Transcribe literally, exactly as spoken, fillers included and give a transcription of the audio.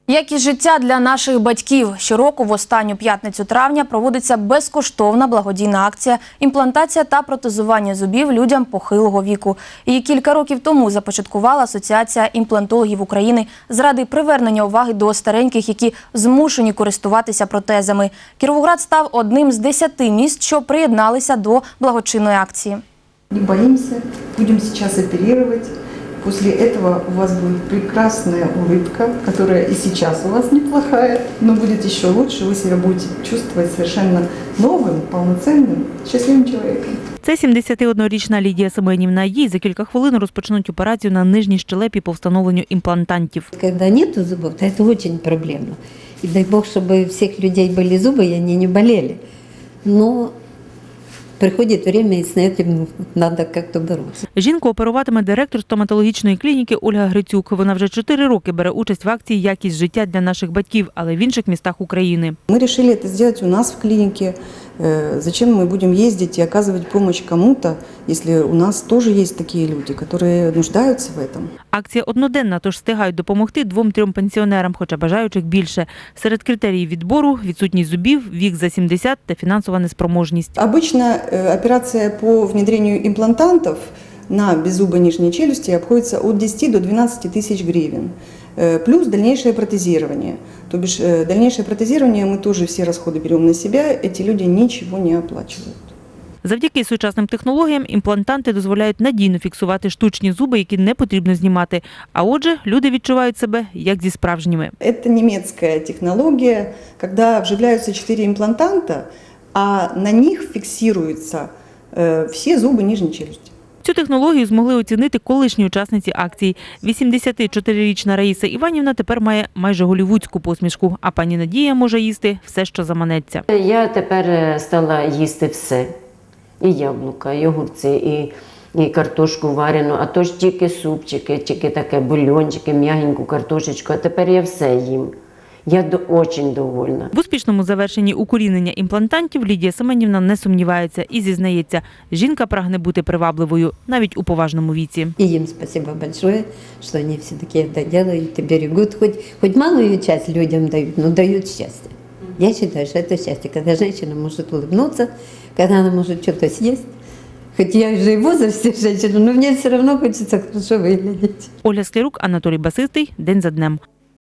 Якість життя для наших батьків. Щороку в останню п'ятницю травня проводиться безкоштовна благодійна акція «Імплантація та протезування зубів людям похилого віку». Її кілька років тому започаткувала Асоціація імплантологів України заради привернення уваги до стареньких, які змушені користуватися протезами. Кіровоград став одним з десяти міст, що приєдналися до благочинної акції. Не боимся, будем сейчас оперировать. После этого у вас будет прекрасная улыбка, которая и сейчас у вас неплохая, но будет еще лучше. Вы себя будете чувствовать совершенно новым, полноценным, счастливым человеком. Це сімдесятиоднорічна Лідія Семенівна. Їй за кілька хвилин розпочнуть операцію на нижній щелепі по встановленню імплантантів. Когда нету зубов, то это очень проблемно. И дай бог, чтобы у всех людей были зубы, и они не болели. Но приходит время, и с этим надо как-то бороться. Жінку оперуватиме директор стоматологічної клініки Ольга Грицюк. Вона вже чотири роки бере участь в акції «Якість життя для наших батьків», але в інших містах України. Мы решили это сделать у нас в клинике. Зачем мы будем ездить и оказывать помощь кому-то, если у нас тоже есть такие люди, которые нуждаются в этом? Акція одноденна, тож встигають допомогти двом-трьом пенсіонерам, хоча бажаючих більше. Серед критеріїв відбору – відсутність зубів, вік за сімдесят та фінансова неспроможність. Обычно операция по внедрению имплантантов на беззубой нижней челюсти обходится от десяти до двенадцати тысяч гривен. Плюс дальнейшее протезирование. То бишь дальнейшее протезирование мы тоже все расходы берем на себя, эти люди ничего не оплачивают. Завдяки сучасним технологіям імплантанти дозволяють надійно фіксувати штучні зуби, які не потрібно знімати. А отже, люди відчувають себе як зі справжніми. Это немецкая технология, когда вживляются четыре имплантанта, а на них фиксируются все зубы нижней челюсти. Цю технологію змогли оцінити колишні учасниці акції. вісімдесятичотирирічна Раїса Іванівна тепер має майже голлівудську посмішку, а пані Надія може їсти все, що заманеться. Я тепер стала їсти все. І яблука, і огурці, і, і картошку варену, а то ж тільки супчики, тільки таке бульончики, м'ягеньку картошечку, а тепер я все їм. Я дуже довольна. В успішному завершенні укорінення імплантантів Лідія Семенівна не сумнівається і зізнається, жінка прагне бути привабливою навіть у поважному віці. И им спасибо большое, что они все-таки это делают и берегут. Хоть, хоть малую часть людям дают, но дают счастье. Я считаю, что это счастье, когда женщина может улыбнуться, когда она может что-то съесть. Хоть я уже и в возрасте женщина, но мне все равно хочется хорошо выглядеть. Ольга Склярук, Анатолій Басистий. День за днем.